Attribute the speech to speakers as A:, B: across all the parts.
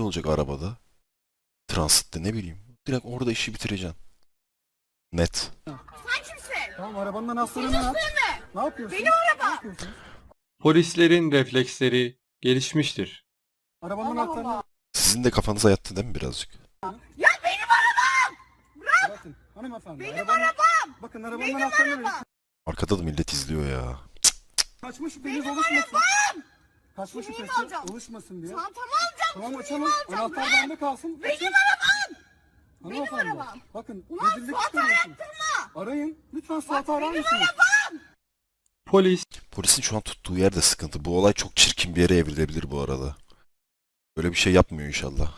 A: olacak arabada. Transitte ne bileyim. Direkt orada işi bitireceksin. Net.
B: Sen kimsin?
C: Tamam arabanın anahtarını aç. Ne yapıyorsun?
B: Benim arabam.
C: Ne yapıyorsun?
D: Polislerin refleksleri gelişmiştir.
C: Arabanın
B: Allah
C: anahtarını
B: Allah.
A: Sizin de kafanıza yattı değil mi birazcık?
B: Ya benim arabam!
C: bırakın. Hanımefendi.
B: Benim arabam!
C: Bakın arabanın
B: Benim
C: anahtarını verin.
B: arabam!
A: Arkada da millet izliyor ya.
C: Kaçma şüpheniz
B: Benim
C: oluşmasın.
B: arabam!
C: Kaçma
B: Kimliğimi
C: şüphesi
B: alacağım.
C: oluşmasın diye.
B: Çantamı alacağım,
C: Tamam
B: kimliğimi
C: açalım.
B: alacağım.
C: Anahtar
B: Bırak!
C: bende kalsın.
B: Benim
C: Açın.
B: arabam!
C: Hanımefendi.
B: arabam.
C: Bakın
B: Ulan
C: rezillik
B: Suat'ı
C: çıkarıyorsunuz.
B: arattırma!
C: Arayın. Lütfen Suat'ı arar
B: Benim
C: mısınız?
B: arabam!
D: Polis
A: Polisin şu an tuttuğu yer de sıkıntı. Bu olay çok çirkin bir yere evrilebilir bu arada. Böyle bir şey yapmıyor inşallah.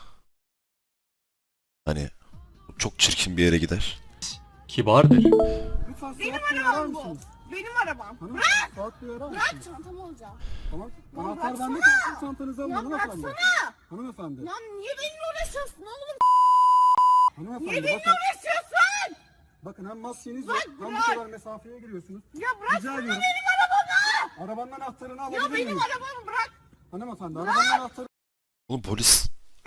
A: Hani çok çirkin bir yere gider.
D: kibardır.
C: Lütfen
B: Benim
C: Suat Bey'i arar
B: arabam bu.
C: mısınız?
B: Benim arabam.
C: Hanımefendi Suat Bey'i arar
B: Bırak
C: mısınız?
B: çantamı alacağım.
C: Tamam.
B: Ya
C: Anahtar
B: bıraksana.
C: bende kalsın. Çantanızı alın
B: Ya
C: hanımefendi.
B: bıraksana!
C: Hanımefendi.
B: Ya niye benimle uğraşıyorsun oğlum?
C: Hanımefendi
B: Niye benimle
C: bakın.
B: uğraşıyorsun?
C: Bakın hem maskeniz
B: Bırak,
C: yok. Hem bu
B: bırak.
C: kadar mesafeye giriyorsunuz.
B: Ya bıraksana
C: Rica ediyorum.
B: benim arabamı!
C: Arabanın anahtarını
B: Ya
C: alabilir
B: benim
C: miyim?
B: arabamı bırak!
C: Hanımefendi arabanın anahtarı.
A: Oğlum polis...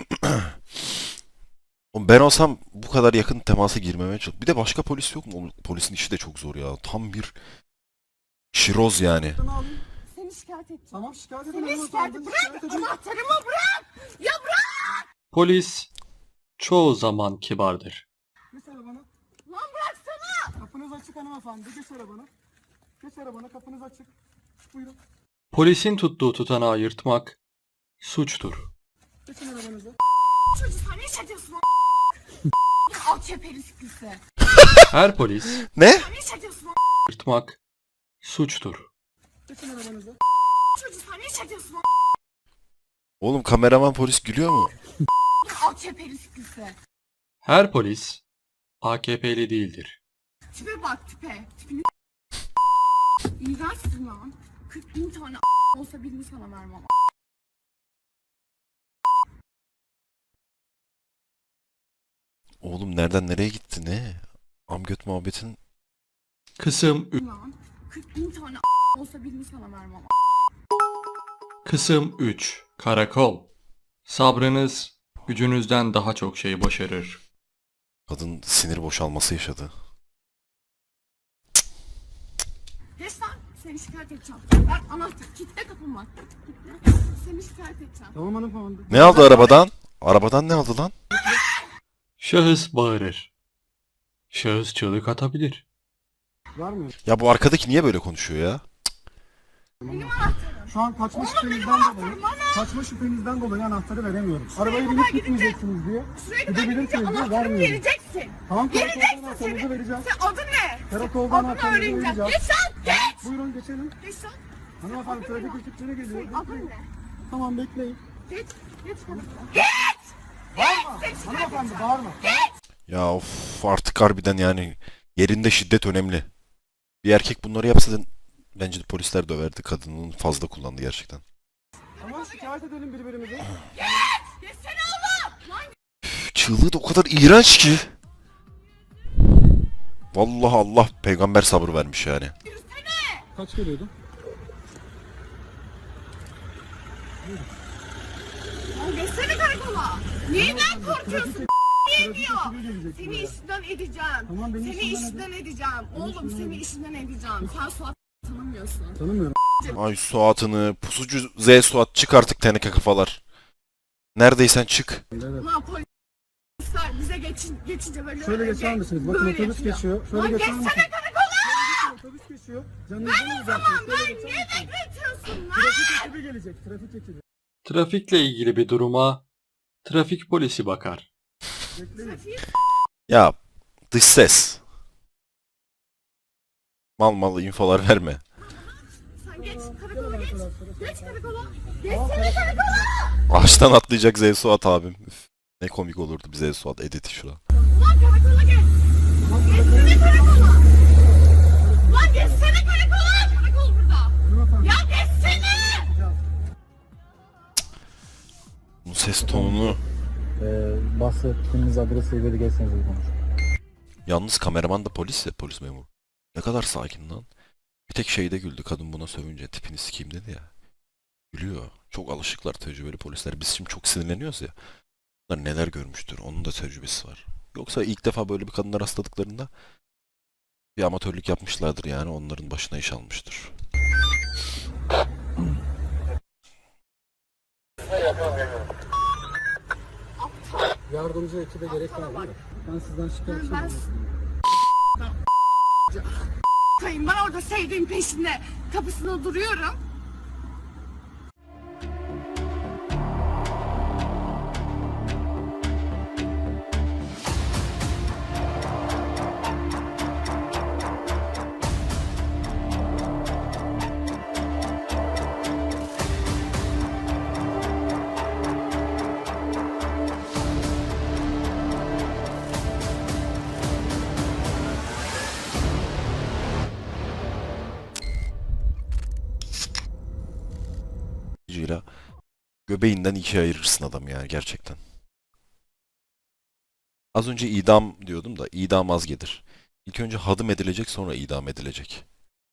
A: Oğlum ben olsam bu kadar yakın temasa girmemeye çalış. Bir de başka polis yok mu? Oğlum, polisin işi de çok zor ya. Tam bir şiroz yani.
C: Alayım.
B: Seni şikayet edeceğim.
C: Tamam şikayet edin
B: Seni şikayet
C: hanımefendi.
B: bırak!
C: Şikayet edin.
B: Anahtarımı bırak! Ya bırak!
D: Polis çoğu zaman kibardır.
C: Geç arabana.
B: Lan bıraksana!
C: Kapınız açık hanımefendi. Geç arabana. Geç arabana kapınız açık. Buyurun.
D: Polisin tuttuğu tutanağı yırtmak suçtur.
C: Geçin arabanıza.
B: Çocuğu sen ne iş ediyorsun lan? AKP'li sıkıntı.
D: Her polis
A: Ne?
B: Sen ne iş ediyorsun lan?
D: yırtmak suçtur.
C: Geçin arabanıza.
B: Çocuğu sen ne iş ediyorsun lan?
A: Oğlum kameraman polis gülüyor mu?
B: AKP'li sıkıntı.
D: Her polis AKP'li değildir.
B: Tipe bak tipe. Tipini İğrençsin lan. 40.000 tane olsa birini sana vermem.
A: Oğlum nereden nereye gitti ne? Amgöt muhabbetin...
D: Kısım
B: Lan 40.000 tane olsa birini sana vermem.
D: Kısım 3 Karakol. Sabrınız gücünüzden daha çok şey başarır.
A: Kadın sinir boşalması yaşadı.
B: Geç lan. Seni şikayet edeceğim. Ver anahtar. Kitle kapımı. Kitle. Seni şikayet edeceğim.
C: Tamam hanımefendi.
A: Ne aldı arabadan? Arabadan ne aldı lan?
D: Şahıs bağırır. Şahıs çığlık atabilir.
C: Vermiyor.
A: Ya bu arkadaki niye böyle konuşuyor ya?
B: Benim anahtarım.
C: Şu an kaçma
B: Oğlum,
C: şüphenizden
B: benim
C: dolayı.
B: anahtarım bana.
C: Kaçma şüphenizden dolayı anahtarı veremiyorum. Arabaya
B: kadar
C: binip
B: gidince-
C: gitmeyeceksiniz diye.
B: Şuraya kadar gidince
C: Gidebilirsiniz diye
B: anahtarımı
C: vermiyorum.
B: vereceksin.
C: Tamam karakolda
B: Vereceksin
C: anahtarınızı
B: seni.
C: vereceğim.
B: Sen adın ne?
C: Karakolda
B: Adını
C: anahtarınızı
B: öğreneceğim.
C: vereceğim.
B: Geç lan. Geç.
C: Buyurun geçelim.
B: Geç lan.
C: Hanımefendi
B: Adın ne?
C: trafik ekipleri geliyor.
B: Senin adın
C: Bekleyin.
B: ne?
C: Tamam bekleyin.
B: Geç. Geç karakola.
C: Bağırma.
B: Seni şikayet
C: Hanımefendi
B: edeceğim.
C: bağırma.
A: Ya of artık harbiden yani yerinde şiddet önemli. Bir erkek bunları yapsa da bence de polisler döverdi. Kadının fazla kullandı gerçekten.
C: Tamam şikayet edelim birbirimizi.
B: Geçsene oğlum. Lan
A: Çığlığı da o kadar iğrenç ki. Vallahi Allah peygamber sabır vermiş yani.
B: yürüsene.
C: Kaç geliyordu?
B: Lan geçsene karakola. Neyden korkuyorsun? Niye diyor?
C: ekibi gelecek
B: Seni
C: buraya.
B: işinden edeceğim.
C: Tamam, beni
B: Seni
C: işinden
B: işinden edeceğim. Oğlum seni işinden edeceğim. Sen Suat tanımıyorsun.
C: Tanımıyorum.
A: Ay Suat'ını, pusucu Z Suat çık artık teneke kafalar. Neredeysen çık.
C: Evet.
B: Lan polisler bize geçince böyle
C: Şöyle geçer misiniz? Bakın
B: böyle
C: otobüs
B: yapıyor.
C: geçiyor. Şöyle
B: Lan
C: geçer
B: geçsene
C: misiniz?
B: karakola.
C: Otobüs geçiyor. Canınızdan alacaksınız.
B: Lan
C: Şöyle geçer
B: niye
C: misiniz?
B: bekletiyorsun lan?
C: Trafik ekibi gelecek. Trafik ekibi.
D: Trafikle ilgili bir duruma trafik polisi bakar.
C: Bekleyin.
A: Ya dış ses. Mal mal infolar verme.
B: Sen geç
C: Gel
B: karakola geç.
C: arkadaşlar.
B: Geç karakola. Geçsene karakola.
A: Ağaçtan atlayacak Z Suat abim. Üf, ne komik olurdu bir Z Suat editi şurada.
B: Ulan karakola geç. Geçsene karakola. Lan geçsene karakola. Karakol burada.
C: Hanımefendi.
B: Ya geçsene.
A: Bu ses tonunu.
E: Bahsettiğiniz adrese göre gelseniz konuş.
A: Yalnız kameraman da polis ya, polis memuru. Ne kadar sakin lan. Bir tek şeyde güldü kadın buna sövünce, tipini sikeyim dedi ya. Gülüyor. Çok alışıklar tecrübeli polisler. Biz şimdi çok sinirleniyoruz ya. Bunlar neler görmüştür. Onun da tecrübesi var. Yoksa ilk defa böyle bir kadına rastladıklarında bir amatörlük yapmışlardır yani. Onların başına iş almıştır.
C: Yardımcı ekibe gerek var mı? Ben sizden şikayetçiyim.
B: Ben orada sevdiğim peşinde kapısında duruyorum.
A: Cira göbeğinden ikiye ayırırsın adam yani gerçekten. Az önce idam diyordum da idam az gelir. İlk önce hadım edilecek sonra idam edilecek.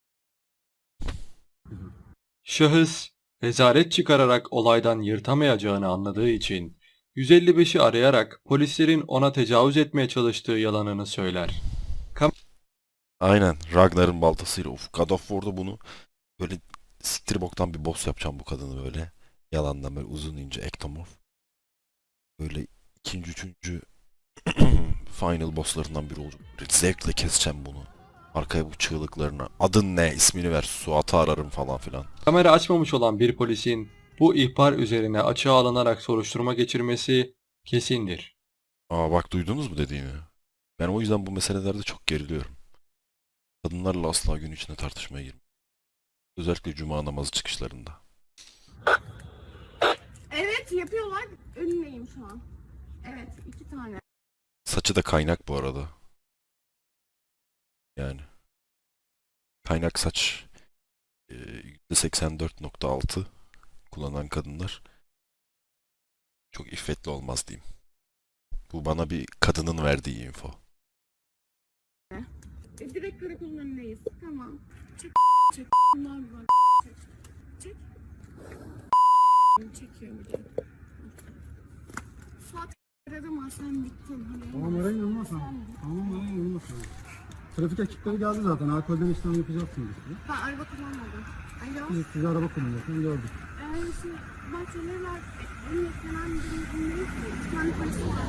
D: Şahıs rezalet çıkararak olaydan yırtamayacağını anladığı için 155'i arayarak polislerin ona tecavüz etmeye çalıştığı yalanını söyler.
A: Aynen Ragnar'ın baltasıyla. Of, God of War'da bunu böyle siktir boktan bir boss yapacağım bu kadını böyle. Yalandan böyle uzun ince ektomorf. Böyle ikinci, üçüncü final bosslarından biri olacak. Böyle zevkle keseceğim bunu. Arkaya bu çığlıklarına. Adın ne? İsmini ver. Suat'ı ararım falan filan.
D: Kamera açmamış olan bir polisin bu ihbar üzerine açığa alınarak soruşturma geçirmesi kesindir.
A: Aa bak duydunuz mu dediğini? Ben o yüzden bu meselelerde çok geriliyorum. Kadınlarla asla gün içinde tartışmaya girmem. Özellikle cuma namazı çıkışlarında.
B: Evet yapıyorlar. Önündeyim şu an. Evet 2 tane.
A: Saçı da kaynak bu arada. Yani. Kaynak saç %84.6 kullanan kadınlar çok iffetli olmaz diyeyim. Bu bana bir kadının verdiği info.
B: Direkt karakolun önündeyiz. Tamam. Çek. Çek. Bunlar var. Çek. Çek. Çekiyor bir de. Suat arama sen bittin. Hani
C: Tamam arayın olmaz mı? Tamam arayın olmaz mı? Trafik ekipleri geldi zaten. Alkolden işlem yapacaksınız.
B: Ben araba kullanmadım. Alo.
C: Biz size araba kullanıyorsunuz gördük.
B: Şimdi bahçeleri var. Emniyet genel müdürlüğündeyiz. Bir tane polis var.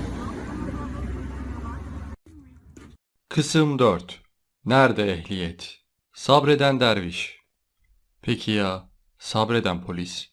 D: Kısım 4. Nerede ehliyet? Sabreden derviş. Peki ya sabreden polis?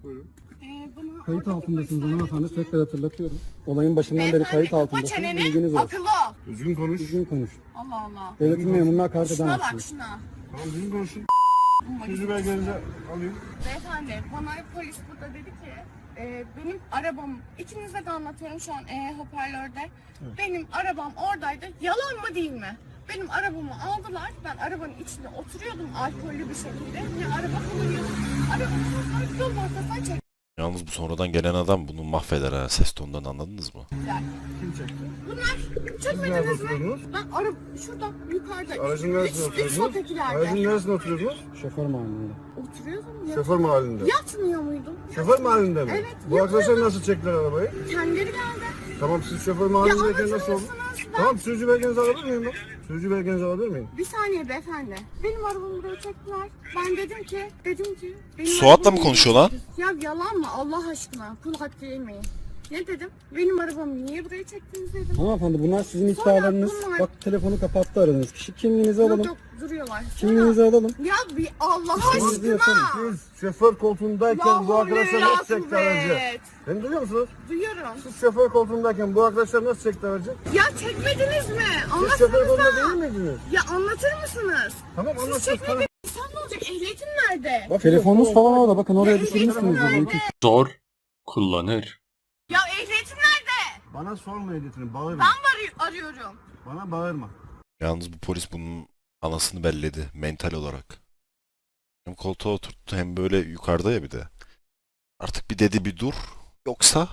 B: Bana
C: Kayıt
B: oradaki
C: altındasınız
B: polisler
C: hanımefendi.
B: dedi ki,
C: Tekrar hatırlatıyorum. Olayın başından beri
B: "Beyefendi,
C: kayıt
B: kapa
C: altındasınız.
B: çeneni,
C: Bilginiz olsun.
B: akıllı ol."
C: Düzgün konuş. Düzgün konuş.
B: Allah Allah.
C: Devletin memuruna hakaret
B: Şuna bak
C: edemezsiniz.
B: şuna.
C: Tamam düzgün konuşun.
B: Bununla
C: Sözü belgenizi alayım.
B: Beyefendi bana polis burada dedi ki benim arabam ikinize de anlatıyorum şu an hoparlörde. Benim arabam oradaydı. Yalan mı değil mi? Benim arabamı aldılar. Ben arabanın içinde oturuyordum alkollü bir şekilde. Ne araba kullanıyordum. Arabamı yol ortasına çektiler.
A: Yalnız bu sonradan gelen adam bunu mahveder ha. Ses tonundan anladınız mı?
C: Kim çekti?
B: Bunlar çekmediniz mi? Ben araba şurada yukarıda.
C: Aracın neresinde
B: Üç
C: oturuyordunuz?
B: sokakilerde.
C: Aracın neresinde oturuyordunuz? Şoför mahallinde.
B: Oturuyordum ya.
C: Şoför mahallinde.
B: Yatmıyor muydum?
C: Şoför mahallinde mi?
B: Evet,
C: Bu arkadaşlar
B: yatıyordum.
C: nasıl çektiler arabayı?
B: Kendileri geldi.
C: Tamam siz şoför
B: Ya
C: mahallindeyken
B: anlatır
C: nasıl oldu?
B: mısınız?
C: Tamam sürücü belgenizi alabilir miyim ben? Sürücü belgenizi alabilir miyim?
B: Bir saniye beyefendi. Benim arabamı buraya çektiler. Ben dedim ki benim
A: Suat'la mı
B: arabamı-
A: konuşuyor lan?
B: Ya yalan mı Allah aşkına? Kul hakkı yemeyin. Ne dedim? Benim arabamı niye buraya çektiniz dedim.
C: Hanımefendi bunlar sizin
B: Sonra
C: iddialarınız.
B: bunlar-
C: Bak telefonu kapattı aradığınız kişi. Kimliğinizi
B: Yok
C: alalım.
B: yok duruyorlar.
C: Kimliğinizi alalım.
B: Ya bir Allah
C: Kimliğinizi
B: aşkına.
C: yapalım. Siz şoför koltuğundayken bu arkadaşlar nasıl çekti aracı?
B: Evet.
C: Beni duyuyor musunuz?
B: Duyuyorum.
C: Siz şoför koltuğundayken bu arkadaşlar nasıl çekti aracı?
B: Ya çekmediniz mi?
C: Siz şoför koltuğunda değil
B: Anlatsanıza.
C: miydiniz?
B: Ya anlatır mısınız?
C: Tamam
B: Siz
C: anlatsınız.
B: çekmediniz. Sen ne olacak? Ehliyetin nerede?
C: Bak telefonunuz falan orada. Bakın oraya
B: Ya
C: düşürmüşsünüz.
B: ehliyetin nerede?
D: Zor kullanır.
B: Ya ehliyetin nerede?
C: Bana sorma ehliyetini. Bağırma.
B: Ben arıyorum.
C: Bana bağırma.
A: Yalnız bu polis bunun anasını belledi mental olarak. Hem koltuğa oturttu hem böyle yukarıda ya bir de. Artık bir dedi bir dur. Yoksa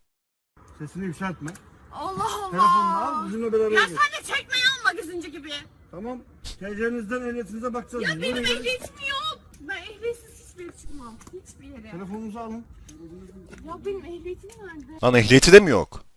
C: Sesini yükseltme.
B: Allah
C: Telefonunu al
B: Allah.
C: bizimle beraber
B: Ya
C: gel.
B: sen de çekmeyi alma kızıncı gibi.
C: Tamam. TC'nizden ehliyetinize bakacağız.
B: Ya
C: biz.
B: benim
C: Buyurun.
B: ehliyetim yok. Ben ehliyetsiz hiçbir yere çıkmam. Hiçbir yere.
C: Telefonunuzu alın.
B: Ya benim ehliyetim nerede?
A: lan ehliyeti de mi yok?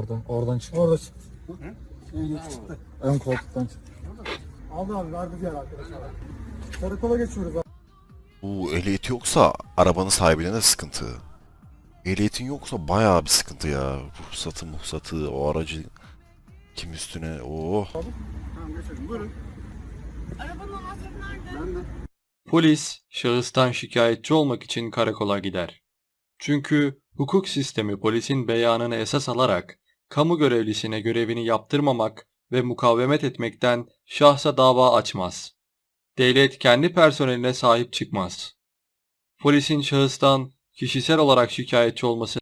E: Oradan çıktı.
C: Orada çıktı. Ehliyet çıktı.
E: Ön koltuktan çıktı.
C: Aldı abi verdi diğer arkadaşlar. Karakola geçiyoruz abi.
A: Bu ehliyeti yoksa arabanın sahibine de sıkıntı. Ehliyetin yoksa bayağı bir sıkıntı ya. Ruhsatı, o aracı kim üstüne, oh.
C: Tamam geçelim buyurun.
B: Arabanın anahtarı nerede?
C: Ben de.
D: Polis şahıstan şikayetçi olmak için karakola gider. Çünkü hukuk sistemi polisin beyanını esas alarak kamu görevlisine görevini yaptırmamak ve mukavemet etmekten şahsa dava açmaz. Devlet kendi personeline sahip çıkmaz. Polisin şahıstan kişisel olarak şikayetçi olması